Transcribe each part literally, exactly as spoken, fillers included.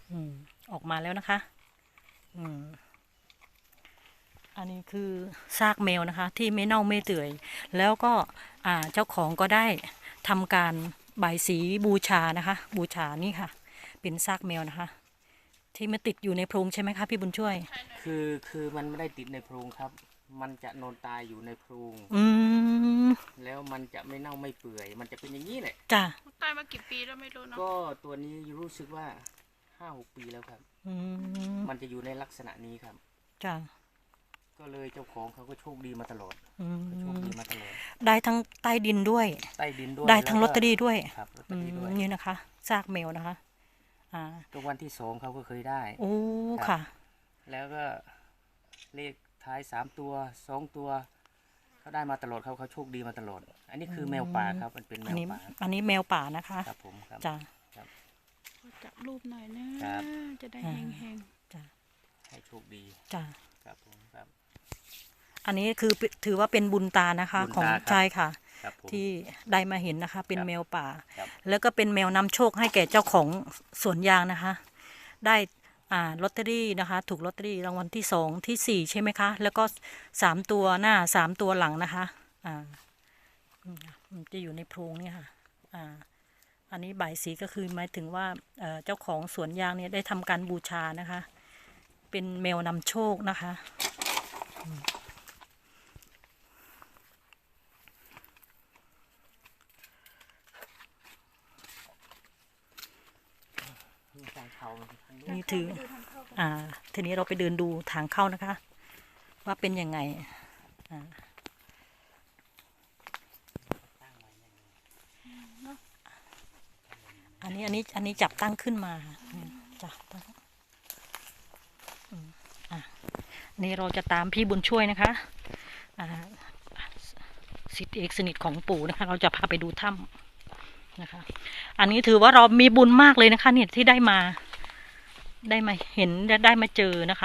อืมออกมาแล้วนะคะอืมอันนี้คือซากแมวนะคะที่ไม่เน่าไม่เปื่อยแล้วก็อ่าเจ้าของก็ได้ทำการบายสีบูชานะคะบูชานี่ค่ะเป็นซากแมวนะคะที่มาติดอยู่ในโพรงใช่ไหมคะพี่บุญช่วยคือคือมันไม่ได้ติดในโพรงครับ มันจะนอนตายอยู่ในโพรงอืมแล้วมันจะไม่เน่าไม่เปื่อย มันจะเป็นอย่างนี้แหละจ้ะตายมากี่ปีแล้วไม่รู้เนาะก็ตัวนี้รู้สึกว่าห้าหกปีแล้วครับอืมมันจะอยู่ในลักษณะนี้ครับจ้ะก็เลยเจ้าของเขาก็โชคดีมาตลอดอืก็โชคมดีมาตลอดได้ทั้งใต้ดินด้วยใต้ดินด้วยได้ทั้งลแวก็อตเตอรี่ด้วยครับลอตเตอือรี่ด้วยมนี่นะคะซากแมวนะคะอ่าก็วันที่สองเขาก็เคยได้โอ้ครับค่ะแล้วก็เลขท้ายสามตัวสองตัวเขาได้มาตลอดเขาเขาโชคดีมาตลอด อันนี้คือแมวป่าครับ มันเป็นแมอันวนี้ป่าอันนี้แมวป่านะคะครับผมครับจ้ะขอจับรูปหน่อยนะครับ จะได้อ่าแห้งจ้ะให้โชคดีจ้ะครับผมครับอันนี้คือถือว่าเป็นบุญตานะคะบุญตาของครับชายค่ะครับผมที่ได้มาเห็นนะคะ เป็นครับแมวป่าครับแล้วก็เป็นแมวนำโชคให้แก่เจ้าของสวนยางนะคะ ได้อ่าลอตเตอรี่นะคะ ถูกลอตเตอรี่รางวัลที่สองที่สี่ใช่ไหมคะ แล้วก็สามตัวหน้าสามตัวหลังนะคะอ่าอืมมันจะอยู่ในโพรงเนี่ยค่ะอ่าอันนี้บ่ายสีก็คือหมายถึงว่าเอ่อเจ้าของสวนยางเนี่ยได้ทำการบูชานะคะ เป็นแมวนำโชคนะคะอืมมีทางเขาทางนู้นนี่ถือ อ่า ทีนี้เราไปเดินดูทางเข้านะคะ ว่าเป็นยังไง อ่า อันนี้ อันนี้ อันนี้จับตั้งขึ้นมาค่ะอืมจับตั้งอืมอ่ะนี่เราจะตามพี่บุญช่วยนะคะ อ่าศิษย์เอกสนิทของปู่นะคะ เราจะพาไปดูถ้ำนะคะ อันนี้ถือว่าเรามีบุญมากเลยนะคะเนี่ยที่ได้มา ได้มาเห็นและได้มาเจอนะคะ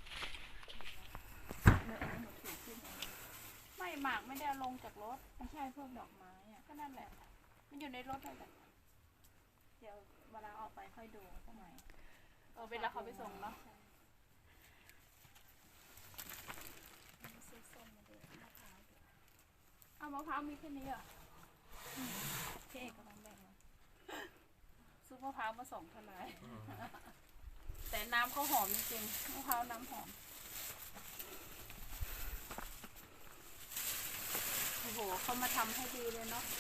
ๆไม่หมากไม่ได้เอาลงจากรถไม่ใช่พวกดอกไม้อะก็นั่นแหละ มันอยู่ในรถนั่นแหละเดี๋ยวเวลาออกไปค่อยดูสักหน่อยเออเวลาเขาไปส่งเนาะเอามะพร้าวมีแค่นี้เหรออืมพี่เอกกำลังแบ่งมาซุปมะพร้าวมาส่งทนาย แต่น้ำเขาหอมจริงๆมะพร้าวน้ำหอม โอ้โหเขามาทำให้ดีเลยเนาะ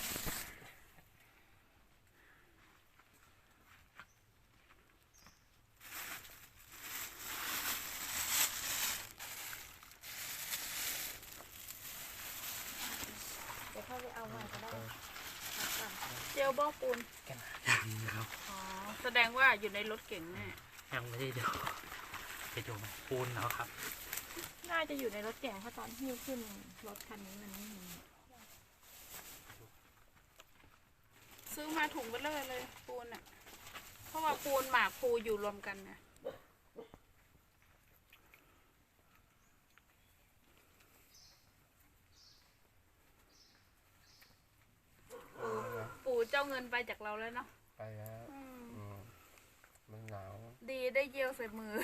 เดี๋ยวเข้าไปเอาใหม่ก็ได้เจลบ้องปูนยังครับอ๋อ แสดงว่าอยู่ในรถเก่งแน่ยังไม่ได้ดูจะอยู่ไหมปูนแล้วครับน่าจะอยู่ในรถเก่งเพราะตอนที่ขึ้นรถคันนี้มันไม่มีซื้อมาถุงเบลเลอร์เลยปูนอ่ะ เพราะว่าปูนหมากปูอยู่รวมกันนะปูปูเจ้าเงินไปจากเราแล้วเนาะไปแล้วอืมอืมมันหนาวดีได้เยี่ยวใส่มือ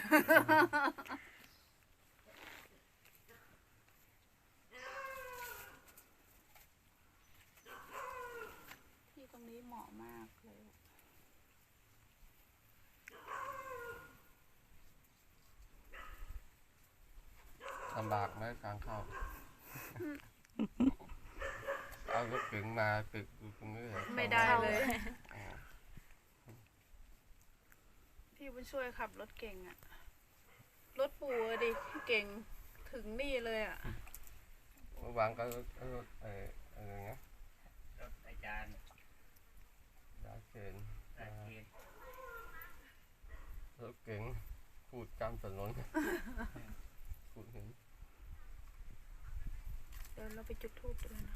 ที่ตรงนี้เหมาะมากเลยลำบากไหมทางเข้า เอารถเก๋งมาตึกอยู่ตรงนี้เลยไม่ได้เลยอ๋อพี่บุญช่วยขับรถเก่งอะรถปู่อะดิเก่งถึงนี่เลยอะเมื่อวานก็รถรถเอออะไรเงี้ยรถอาจารย์ยาเชนอาเคนรถเก๋งพูดกลางถนน พูดเห็นเดี๋ยวเราไปจุดธูปดูนะ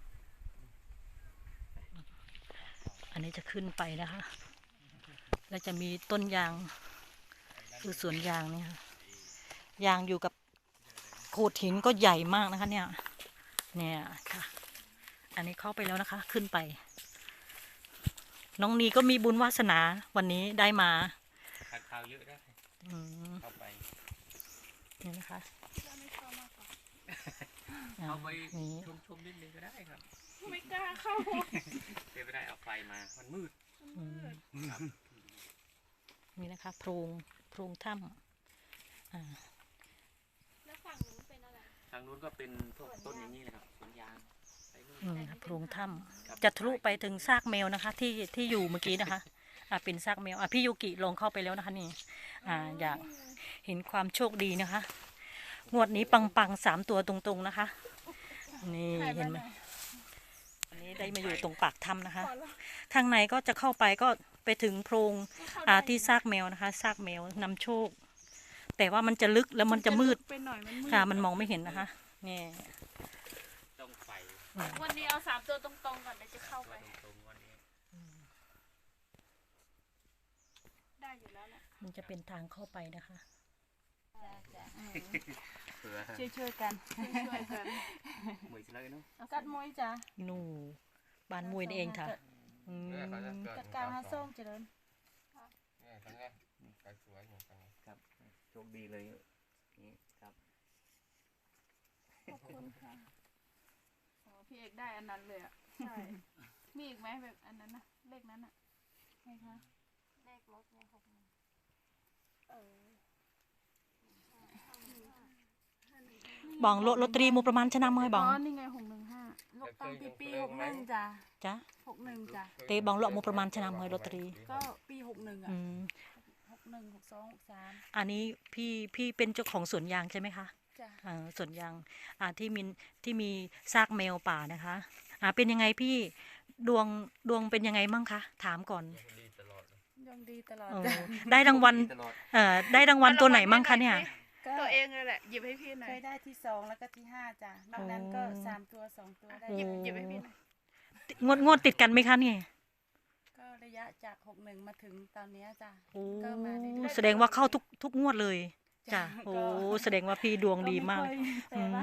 อันนี้จะขึ้นไปนะคะ แล้วจะมีต้นยางคือสวนยางเนี่ยค่ะยางอยู่กับโขดหินก็ใหญ่มากนะคะ เนี่ย เนี่ยค่ะ อันนี้เข้าไปแล้วนะคะ ขึ้นไป น้องนีก็มีบุญวาสนาวันนี้ได้มาครับข่าวเยอะได้อืมเข้าไปนี่นะคะก็ไม่เข้ามากกว่าอ่าเข้าไปนี่ชมชมนิดนึงก็ได้ครับไม่กล้าเข้าเดี๋ยวไม่ได้เอาไฟมา มันมืดอืมครับนี่นะคะโพรงโพรงถ้ำอ่าแล้วฝั่งนู้นเป็นอะไรทางนู้นก็เป็นพวกต้นอย่างนี้เลยครับสวนยางไปนู่นอืมนะคะโพรงถ้ครับำจะทะลุไปถึงซากแมวนะคะ ที่ที่อยู่เมื่อกี้นะคะอ่าเป็นซากแมวอ่ะพี่ยูกิลงเข้าไปแล้วนะคะนี่อ่าอยากเห็นความโชคดีนะคะ งวดนี้ปังปังๆสามตัวตรงๆนะคะ นี่เห็นไหมอันนี้ได้มาอยู่ตรงปากถ้ำนะคะขอละทางในก็จะเข้าไปก็ไปถึงโพรงเข้าอ่าได้ที่ซากแมวนะคะซากแมวนำโชค แต่ว่ามันจะลึกแล้วมันจะมืดไปหน่อยมันมืดค่ะมันมองไม่เห็นนะคะนี่ต้องไฟวันนี้เอาสามตัวตรงๆก่อนเดี๋ยวจะเข้าไปตัวตรงๆวันนี้ได้อยู่แล้วแหละมันจะเป็นทางเข้าไปนะคะเผื่อช่วยช่วยๆกันช่วยๆกันมือเลยเนาะกัดมวยจ้ะนู่บ้านมวยนี่เองค่ะอืมเนี่ยเขาจะเกิดกัดกลางห้าส้มเจริญเนี่ยทั้งเนี้ยไปสวยเหมือนกันครับโชคดีเลยนี่ครับขอบคุณค่ะโอ้พี่เอกได้อันนั้นเลยอ่ะใช่มีอีกไหมแบบอันนั้นนะเลขนั้นอ่ะไงคะเลขรถเนี่ยหกหนึ่งเออบองโลลอตเตอรี่มูประมาณชนะเมยบอ๋องอนี่ไงหกหนึ่งห้าลูกตั้งปีปีหกหนึ่งจ้ะจ้ะหกหนึ่งจ้ะเตบองโลมูประมาณชนะเมยลอตเตอรี่ก็ปีหกหนึ่งอ่ะอืมหกหนึ่งหกสองหกสามอันนี้พี่พี่เป็นเจ้าของสวนยางใช่ไหมคะจ้ะอ่าสวนยางอ่าที่มีที่มีซากแมวป่านะคะอ่าเป็นยังไงพี่ดวงดวงเป็นยังไงมั่งคะถามก่อนดีตลอดเลยยังดีตลอดเออจ้ะได้รางวัลตลอดเอ่อได้รางวัลตัวไหนมั่งคะเนี่ยก็ตัวเองเลยแหละหยิบให้พี่หน่อเคยยได้ที่สองแล้วก็ที่ห้าจ้ะนอกนั้นก็สามตัวสองตัวได้หยิบโอ้หยิบให้พี่หน่อยงวดงวดติดกันไหมคะเนี่ยก็ระยะจากหกหนึ่งมาถึงตอนเนี้ยจ้ะโอ้ก็มาเรื่อยๆแสดงว่าเข้าทุกทุกงวดเลยจ้ะจ้ะโอ้ก็แสดงว่าพี่ดวงดีมากไค่อยอืแต่ว่าม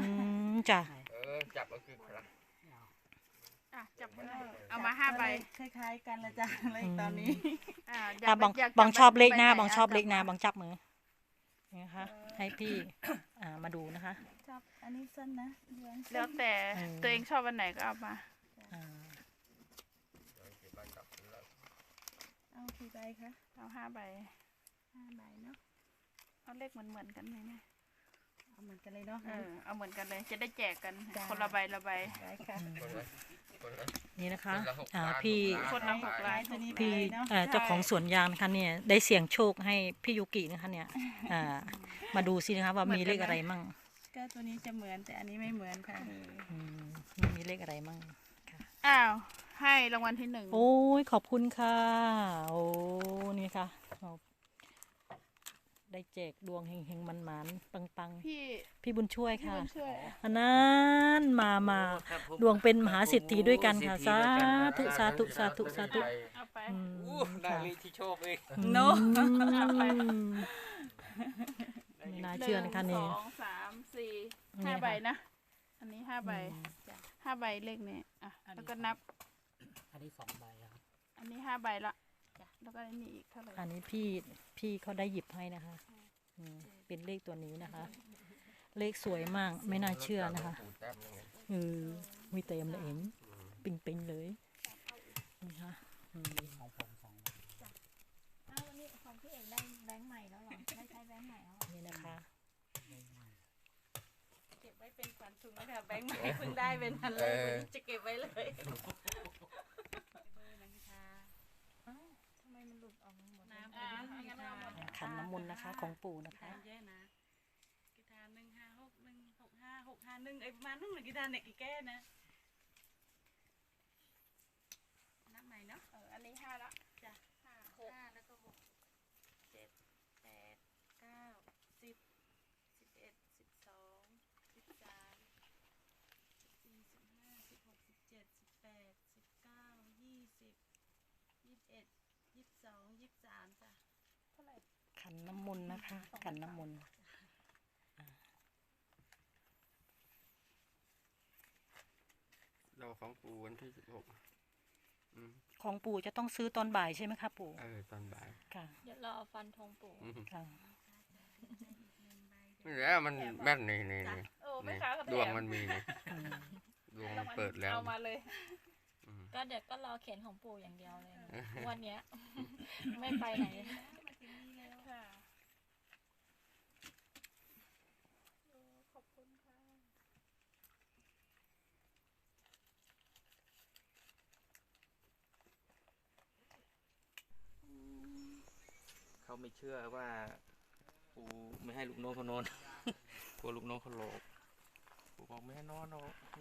จ้ะเออจับก็คือครับอ่ะจับให้หน่อยเอามาห้าใบคล้ายๆกันละจ้ะเลขตอนนี้อ่าอยาอ่ะกบองอยากบองจัชอบเลขหน้าใบองชอบเลขหน้าจับองจับมือนี่นะคะให้พี่อ่ามาดูนะคะจับอันนี้สั้นนะเดือนแล้วแต่อืมตัวเองชอบอันไหนก็เอามาอ่าเดี๋ยวเก็บใบกลับแล้วเอากี่ใบคะเอาห้าใบห้าใบเนาะเอาเลขเหมือนเหมือนๆกันเลยเนี่ยเอาเหมือนกันเลยเนาะเออเอาเหมือนกันเลยจะได้แจกกันจ้ะคนละใบละใบได้ค่ะคนละคนละนี่นะคะคนละหกอ่าล้านพี่หกล้านคนละหกล้านตัวนี้ไปพี่เลยเนาะเอ่อเจ้าของสวนยางนะคะเนี่ยได้เสี่ยงโชคให้พี่ยูกินะคะเนี่ยอ่ามาดูสินะคะว่ามีเลขอะไรมั่งก็ตัวนี้จะเหมือนแต่อันนี้ไม่เหมือนค่ะอืมมีเลขอะไรมั่งค่ะอ้าวให้รางวัลที่หนึ่งโอ้ยขอบคุณค่ะ โอ้นี่ค่ะเอาได้แจกดวงเฮงๆมันๆปังพี่ๆ พี่บุญช่วยพี่ค่ะบุญช่วยอันนั้นมามาครับผมดวงเป็นมหาเศรษฐีด้วยกันค่ะโอ้เศรษฐีด้วยกันสาธุสาธุสาธุเอาไปอืมอู้ได้ค่ะเลขที่ชอบเองเนาะอืมไม่น่าเชื่อนะคะหนึ่นี่งสองสามสี่นี่ห้าค่ะใบนะ อันนี้ห้าใบอืมจ้ะห้าใบเลขนี้อ่ะแล้วก็นับอันนี้สองใบแล้วครับอันนี้ห้าใบละจ้ะแล้วก็อันนี้อีกเท่าไหร่อันนี้พี่พี่เขาได้หยิบให้นะคะอืมเป็นเลขตัวนี้นะคะ เลขสวยมากไม่น่าเชื่อนะคะปูแต้มยังไงเออมีเต็มเลยเองปิงปิงๆเลยนี่ค่ะอืมของผมสองใบอ้าววันนี้ของพี่เอกได้แบงค์ใหม่แล้วเหรอได้ใช้แบงค์ใหม่แล้วเหรอนี่นะคะเก็บไว้เป็นขวัญถุงนะคะแบงค์ใหม่เพิ่งได้เป็นอันเลยวันนี้จะเก็บไว้เลยทำไมมันหลุดออกมาหมดเลยน้ำอ่างั้นเอาหมดขันน้ำมนต์นะคะของปู่นะคะทานเยอะนะกีตาร์หนึ่งห้าหกหนึ่งหกห้าหกห้าหนึ่งไอ้ประมาณนึงเลยกีตาร์เนี่ยกี่แก้นะนับใหม่เนาะเอออันนี้ห้าละจ้ะห้าหกห้าแล้วก็หกเจ็ดแปดเก้าสิบสิบเอ็ดสิบสองสิบสามสิบสี่สิบห้าสิบหกสิบเจ็ดสิบแปดสิบเก้ายี่สิบยี่สิบเอ็ดยี่สิบสองยี่สิบสามจ้ะเท่าไหร่ขันน้ำมนต์นะคะขันน้ำมนต์เราของปูวันที่สิบหกอืมของปู่จะต้องซื้อตอนบ่ายใช่ไหมคะปู่เออตอนบ่ายค่ะเดี๋ยวรอฟันธงปู่ค่ะนี่แหละมันแม่นนี่นี่นี่เออไม่นี่ค้าก็ดวงแถมันมีนี่ดวงมันเปิดแล้วเอามาเลยอืมก็เดี๋ยวก็รอเขียนของปู่อย่างเดียวเลยนะวันเนี้ย ไม่ไปไหนค่ะขอบคุณค่ะเขาไม่เชื่อว่าปูไม่ให้ลูกน้องเขานอน กลัวลูกน้องเขาหลอกปูบอกไม่ให้นอนหรอกมัน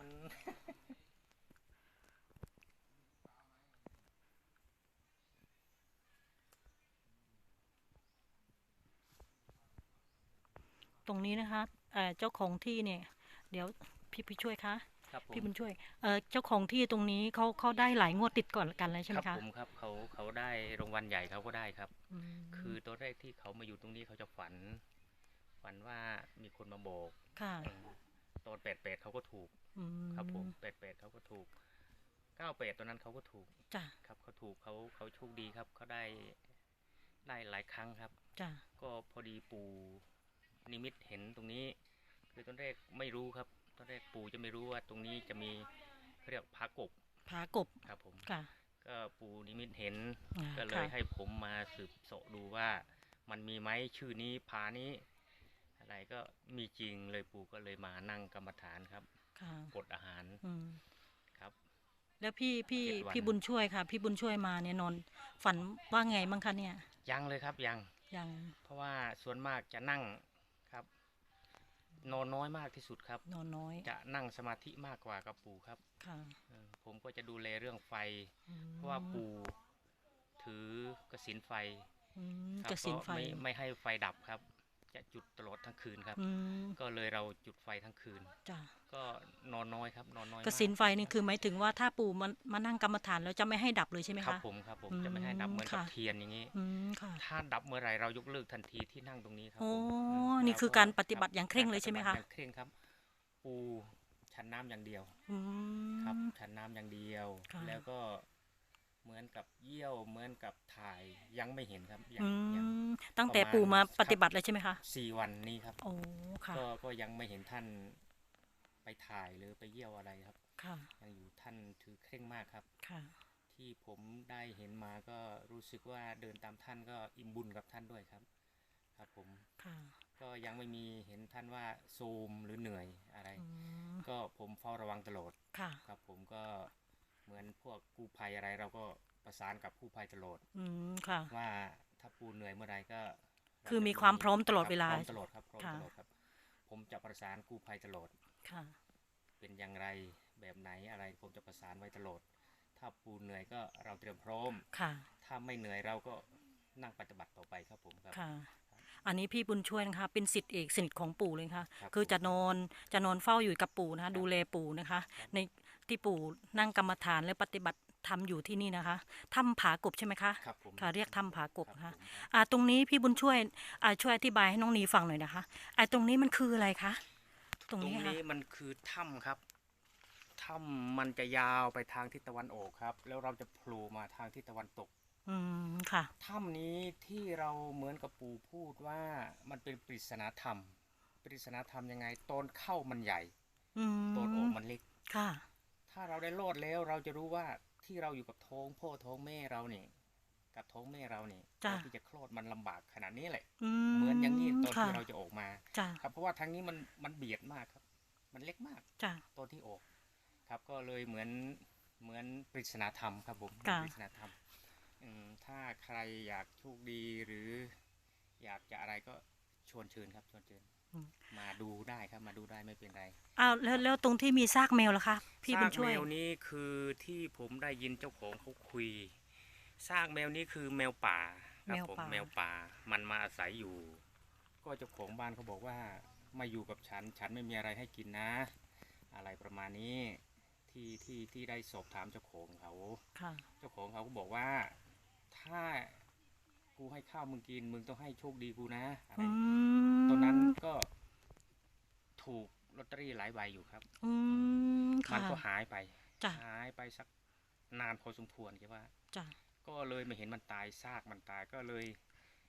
ตรงนี้นะคะเอ่อเจ้าของที่เนี่ย เดี๋ยวพี่พี่ช่วยคะครับผมพี่บุญช่วยเอ่อเจ้าของที่ตรงนี้เขาเขาได้หลายงวดติดก่อนกันเลยใช่ไหมครัคะผมครับเขาเขาได้รางวัลใหญ่เขาก็ได้ครับมคือตอนแรกที่เขามาอยู่ตรงนี้เขาจะฝัน ฝันว่ามีคนมาบอกค่ะเออตอนแปดแปดเขาก็ถูกอืมครับผมแปดแปดเขาก็ถูกเก้าแปดตอนนั้นเขาก็ถูกจ้ะครับเขาถูกเขาเขาโชคดีครับเขาได้ได้หลายครั้งครับจ้ะก็พอดีปู่นิมิตเห็นตรงนี้ คือตอนแรกไม่รู้ครับตอนแรกปู่จะไม่รู้ว่าตรงนี้จะมีเขาเรียกผากบผากบครับผมค่ะก็ปู่นิมิตเห็นอ่าก็เลยค่ะให้ผมมาสืบเสาะดูว่ามันมีไหมชื่อนี้ผานี้ อะไรก็มีจริงเลยปู่ก็เลยมานั่งกรรมฐานครับค่ะกดอาหารอืมครับแล้วพี่พี่เจ็ดวันพี่บุญช่วยค่ะ พี่บุญช่วยมาเนี่ยนอนฝันว่าไงบ้างคะเนี่ยยังเลยครับยังยังเพราะว่าส่วนมากจะนั่งครับ นอนน้อยมากที่สุดครับนอนน้อยจะนั่งสมาธิมากกว่ากับปู่ครับค่ะเออผมก็จะดูแลเรื่องไฟอืมเพราะว่าปู่ถือกสินไฟอืมครับกระสินไฟก็ไม่ไม่ให้ไฟดับครับ จะจุดตลอดทั้งคืนครับอืมก็เลยเราจุดไฟทั้งคืนจ้ะก็นอนน้อยครับนอนน้อยกระสินมากไฟนี่คือหมายถึงว่าถ้าปู่มามานั่งกรรมฐานแล้วจะไม่ให้ดับเลยใช่ไหมครับคะผมครับผมอืมจะไม่ให้ดับเหมือนกับค่ะเทียนอย่างนี้อืมค่ะถ้าดับเมื่อไหรเรายกเลิกทันทีที่นั่งตรงนี้ครับโอ้ผมมนี่เคือการปฏิบัติอย่างเคร่งเลยใช่ไหมคะปฏิบัติอย่างเคร่งครับ ปูฉันน้ำอย่างเดียวอืมครับฉันน้ำอย่างเดียวค่ะแล้วก็เหมือนกับเยี่ยวเหมือนกับถ่ายยังไม่เห็นครับยังอืยังมตั้งแต่ประมาณปู่มาครับปฏิบัติเลยใช่ไหมคะสี่วันนี้ครับโอ้ค่ะก็ก็ยังไม่เห็นท่านไปถ่ายหรือไปเยี่ยวอะไรครับค่ะยังอยู่ท่านถือเคร่งมากครับค่ะที่ผมได้เห็นมาก็รู้สึกว่าเดินตามท่านก็อิ่มบุญกับท่านด้วยครับ ครับผมค่ะก็ยังไม่มีเห็นท่านว่าโทรมหรือเหนื่อยอะไรอืมก็ผมเฝ้าระวังตลอดค่ะครับผมก็เหมือนพวกกู้ภัยอะไรเราก็ประสานกับกู้ภัยตลอดอืมค่ะว่าถ้าปูเหนื่อยเมื่อไรก็เราคือจะมีความพร้อมตลอดครับเวลาพร้อมตลอดครับพร้อมค่ะตลอดครับ ผมจะประสานกู้ภัยตลอดค่ะเป็นอย่างไรแบบไหนอะไรผมจะประสานไว้ตลอด ถ้าปูเหนื่อยก็เราเตรียมพร้อมค่ะถ้าไม่เหนื่อยเราก็นั่งปฏิบัติต่อไปครับผมครับค่ะ อันนี้พี่บุญช่วยนะคะ เป็นศิษย์เอกสนิทของปู่เลยค่ะครับคือผมจะนอนจะนอนเฝ้าอยู่กับปู่นะคะครับดูแลปู่นะคะครับในที่ปู่นั่งกรรมฐานและปฏิบัติธรรมอยู่ที่นี่นะคะถ้ำผากบใช่ไหมคะครับผมค่ะเรียกถ้ำผากบคนะรัคะผมครับอ่าตรงนี้พี่บุญช่วยอ่าช่วยอธิบายให้น้องนีฟังหน่อยนะคะไอ้ตรงนี้มันคืออะไรคะตรงตรงนี้ค่ะนี้มันคือถ้ำครับถ้ำมันจะยาวไปทางทิศตะวันออกครับ แล้วเราจะโผล่มาทางทิศตะวันตกอืมค่ะถ้ำนี้ที่เราเหมือนกับปู่พูดว่ามันเป็นปริศนาธรรม ปริศนาธรรมยังไงตอนเข้ามันใหญ่อืมตอนออกมันเล็กค่ะถ้าเราได้รอดแล้วเราจะรู้ว่าที่เราอยู่กับท้องพ่อท้องแม่เราเนี่ยกับท้องแม่เราเนี่ยจ้ะตอนที่จะคลอดมันลำบากขนาดนี้แหละอืเหมือนอย่างนี้ตอนค่ะที่เราจะออกมาจ้ะครับเพราะว่าทางนี้มันมันเบียดมากครับ มันเล็กมากจ้ะตอนที่ออก ครับก็เลยเหมือนเหมือนปริศนาธรรมครับผมค่ะปริศนาธรรมอืมถ้าใครอยากโชคดีหรือ อยากจะอะไรก็ชวนเชิญครับชวนเชิญมาดูได้ครับมาดูได้ไม่เป็นไรอ้าวแล้วแล้วตรงที่มีซากแมวล่ะคะพี่บุญซากช่วยแมวนี้คือที่ผมได้ยินเจ้าของเขาคุยซากแมวนี้คือแมวป่าครับผมแมวป่ามันมาอาศัยอยู่ ก็เจ้าของบ้านเขาบอกว่ามาอยู่กับฉัน ฉันไม่มีอะไรให้กินนะ อะไรประมาณนี้ที่ที่ที่ได้สอบถามเจ้าของเขาค่ะเจ้าของเขาก็บอกว่าถ้ากูให้ข้าวมึงกินมึงต้องให้โชคดีกูนะอะไรอืมตอนนั้นก็ถูกลอตเตอรี่หลายใบอยู่ครับอืมมัค่ะนก็หายไปจ้ะหายไปสักนานพอสมควรคิดว่าจ้ะก็เลยไม่เห็นมันตายซากมันตายก็เลย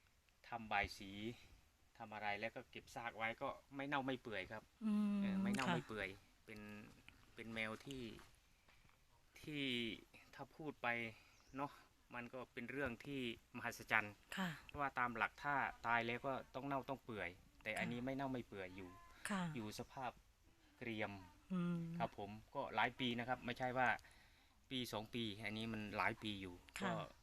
ทำบายสีทำอะไรแล้วก็เก็บซากไว้ก็ไม่เน่าไม่เปื่อยครับอืมเออไม่เน่าค่ะไม่เปื่อยเป็นเป็นแมวที่ที่ถ้าพูดไปเนาะมันก็เป็นเรื่องที่มหัศจรรย์ค่ะเพราะว่าตามหลักถ้าตายแล้วก็ต้องเน่าต้องเปื่อย แต่อันนี้ไม่เน่าไม่เปื่อยอยู่ค่ะอยู่สภาพเกรียมอืมครับผมก็หลายปีนะครับ ไม่ใช่ว่าปีสองปี อันนี้มันหลายปีอยู่ค่ะก็